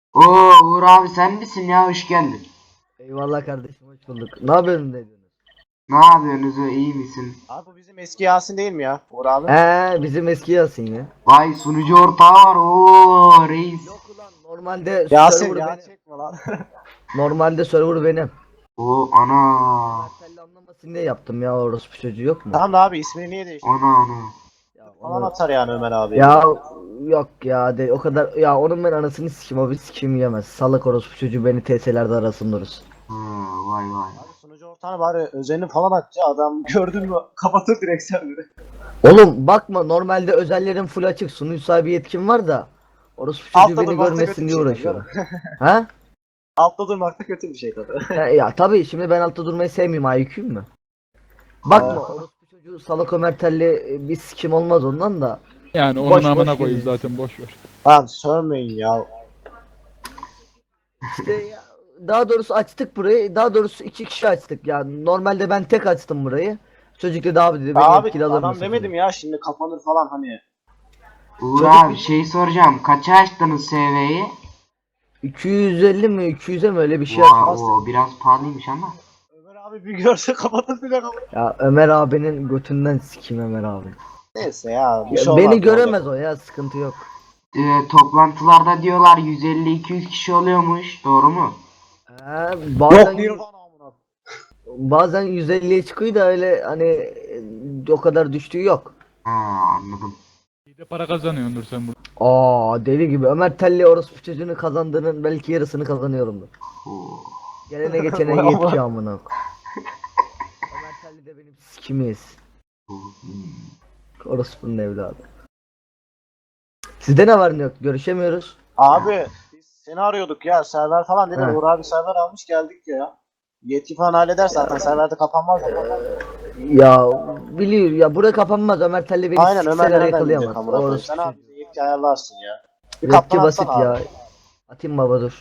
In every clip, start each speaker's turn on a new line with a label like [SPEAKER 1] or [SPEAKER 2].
[SPEAKER 1] Oo Uğur abi sen misin ya, hoş geldin.
[SPEAKER 2] Eyvallah kardeşim, hoş bulduk. Ne yapıyorsun dediniz?
[SPEAKER 1] Ne yapıyorsunuz, iyi misin?
[SPEAKER 3] Abi bu bizim eski Yasin değil mi ya? Uğur abi.
[SPEAKER 2] Bizim eski Yasin ya.
[SPEAKER 1] Vay sunucu ortağı var, oo reis.
[SPEAKER 2] Yok ulan, normalde
[SPEAKER 3] Yasin
[SPEAKER 2] server
[SPEAKER 3] ya
[SPEAKER 2] benim.
[SPEAKER 3] çekme lan.
[SPEAKER 2] Normalde server benim.
[SPEAKER 1] Oo ana.
[SPEAKER 2] Mertelli anlamasın diye yaptım ya, orospu çocuğu yok mu?
[SPEAKER 3] Tamam da abi ismini niye değiştirdin?
[SPEAKER 1] Ana.
[SPEAKER 2] Ya,
[SPEAKER 3] Falan
[SPEAKER 2] onu...
[SPEAKER 3] atar yani Ömer abi.
[SPEAKER 2] ya yok ya, de o kadar ya, onun ben anasını sikim, o bir sikim yemez. Salak orospu çocuğu beni TS'lerde arasın dururuz.
[SPEAKER 1] Ha, vay vay.
[SPEAKER 3] Abi sunucu ortağına bari özelini falan aç ya. Adam gördün mü kapatır direkt serverı.
[SPEAKER 2] Oğlum bakma, normalde özellerim full açık, sunucu sahibi yetkim var da orospu çocuğu
[SPEAKER 3] Altta
[SPEAKER 2] beni
[SPEAKER 3] durmakta kötü
[SPEAKER 2] görmesin
[SPEAKER 3] bir
[SPEAKER 2] diye
[SPEAKER 3] şey tabii,
[SPEAKER 2] uğraşıyorum.
[SPEAKER 3] değil mi?
[SPEAKER 2] Ha?
[SPEAKER 3] Altta durmak da kötü bir şey tabii.
[SPEAKER 2] Ya tabii, şimdi ben altta durmayı sevmiyorum, IQ'yum mu? Bakma,
[SPEAKER 3] Aa.
[SPEAKER 2] orospu çocuğu salak Ömer Telli bir sikim olmaz ondan da.
[SPEAKER 4] Yani onun
[SPEAKER 2] Boş
[SPEAKER 4] amına
[SPEAKER 2] boş
[SPEAKER 4] koyayım
[SPEAKER 2] geziyorsun.
[SPEAKER 4] zaten, boş ver.
[SPEAKER 3] Abi sövmeyin ya.
[SPEAKER 2] İşte ya, daha doğrusu açtık burayı. Daha doğrusu iki kişi açtık. Yani normalde ben tek açtım burayı. Çocuk dedi abi, dedi beni
[SPEAKER 3] Abi
[SPEAKER 2] etkili alır
[SPEAKER 3] adam
[SPEAKER 2] mısın?
[SPEAKER 3] demedim ya şimdi kapanır falan hani.
[SPEAKER 1] Uğur
[SPEAKER 2] Çocuk
[SPEAKER 1] abi
[SPEAKER 2] bir-
[SPEAKER 1] şey soracağım, kaça açtınız SV'yi?
[SPEAKER 2] 250 mi 200'e mi öyle bir şey
[SPEAKER 1] Vay,
[SPEAKER 2] açtım.
[SPEAKER 1] o biraz pahalıymış ama.
[SPEAKER 3] Ömer abi bir görse kapatır bile kapatır.
[SPEAKER 2] Ya Ömer abinin götünden sikeyim Ömer abi.
[SPEAKER 3] Neyse ya bir
[SPEAKER 2] Ya
[SPEAKER 3] şey olmaz.
[SPEAKER 2] beni
[SPEAKER 3] ne
[SPEAKER 2] göremez
[SPEAKER 3] olacak?
[SPEAKER 2] o ya, sıkıntı yok.
[SPEAKER 1] Toplantılarda diyorlar 150-200 kişi oluyormuş, doğru mu?
[SPEAKER 2] Bazen
[SPEAKER 3] Yok Nirvana amına.
[SPEAKER 2] bazen 150'ye çıkıyor da öyle hani o kadar düştüğü yok.
[SPEAKER 1] Ha, anladım.
[SPEAKER 4] İyi de para kazanıyordur sen burada.
[SPEAKER 2] Deli gibi Ömer Telli orospu çocuğunu kazandığının belki yarısını kazanıyorumdur.
[SPEAKER 1] Oo.
[SPEAKER 2] Gelene geçene
[SPEAKER 3] Vay
[SPEAKER 2] yetki
[SPEAKER 3] Allah.
[SPEAKER 2] amına. Ömer Telli de benim sikimiz. Orospu'nun evladı. Sizde ne var ne yok? Görüşemiyoruz.
[SPEAKER 3] Abi biz seni arıyorduk ya server falan dedi.
[SPEAKER 2] He.
[SPEAKER 3] Uğur abi server almış geldik ya. Yetki falan halleder zaten serverde kapanmaz ya.
[SPEAKER 2] Ya biliyor ya, buraya kapanmaz. Ömer Telli beni
[SPEAKER 3] Aynen Ömer
[SPEAKER 2] sikseler
[SPEAKER 3] nereden bilecek
[SPEAKER 2] yakalayamaz.
[SPEAKER 3] amına koyayım.
[SPEAKER 2] Orospu
[SPEAKER 3] Sen abi
[SPEAKER 2] çocuğu.
[SPEAKER 3] bize yetki ayarlarsın ya. Bir
[SPEAKER 2] Yetki
[SPEAKER 3] kaptan
[SPEAKER 2] basit
[SPEAKER 3] atsana
[SPEAKER 2] ya.
[SPEAKER 3] abi.
[SPEAKER 2] Atayım baba, dur.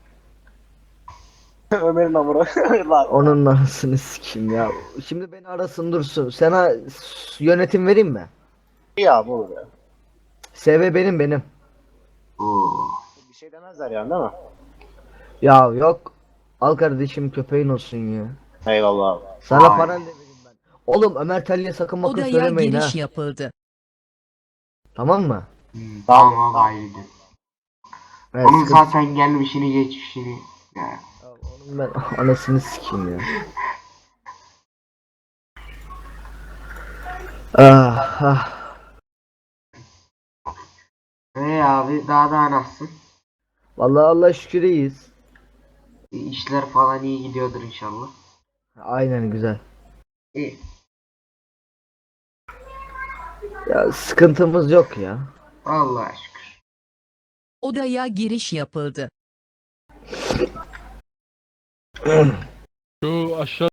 [SPEAKER 3] Ömer'in amına. Lan.
[SPEAKER 2] Onun anasını sikeyim ya. Şimdi beni arasın dursun. Sana yönetim vereyim mi?
[SPEAKER 3] İyi abi olur ya.
[SPEAKER 2] SV benim.
[SPEAKER 1] Oo.
[SPEAKER 3] Bir şey demezler yani değil mi?
[SPEAKER 2] Ya yok. Al kardeşim, köpeğin olsun ya.
[SPEAKER 3] Eyvallah abi.
[SPEAKER 2] Sana
[SPEAKER 1] Vay.
[SPEAKER 2] paran da vereyim ben. Oğlum Ömer Telli'ye sakın bakın
[SPEAKER 5] Odaya
[SPEAKER 2] söylemeyin ha.
[SPEAKER 5] giriş yapıldı.
[SPEAKER 2] Tamam mı?
[SPEAKER 1] Tamam
[SPEAKER 3] Tamam.
[SPEAKER 1] ayrıydı.
[SPEAKER 2] Evet,
[SPEAKER 1] Onun
[SPEAKER 2] sıkıntı-
[SPEAKER 1] zaten gelmişini geçmişini. Ya.
[SPEAKER 2] Ya onun ben anasını sikeyim ya. Ah.
[SPEAKER 1] Abi daha nasılsın?
[SPEAKER 2] Vallahi Allah şükür iyiyiz.
[SPEAKER 1] İşler falan iyi gidiyordur inşallah.
[SPEAKER 2] Aynen, güzel.
[SPEAKER 1] İyi.
[SPEAKER 2] Ya sıkıntımız yok ya.
[SPEAKER 1] Allah'a şükür.
[SPEAKER 5] Odaya giriş yapıldı.
[SPEAKER 4] Şu aşağı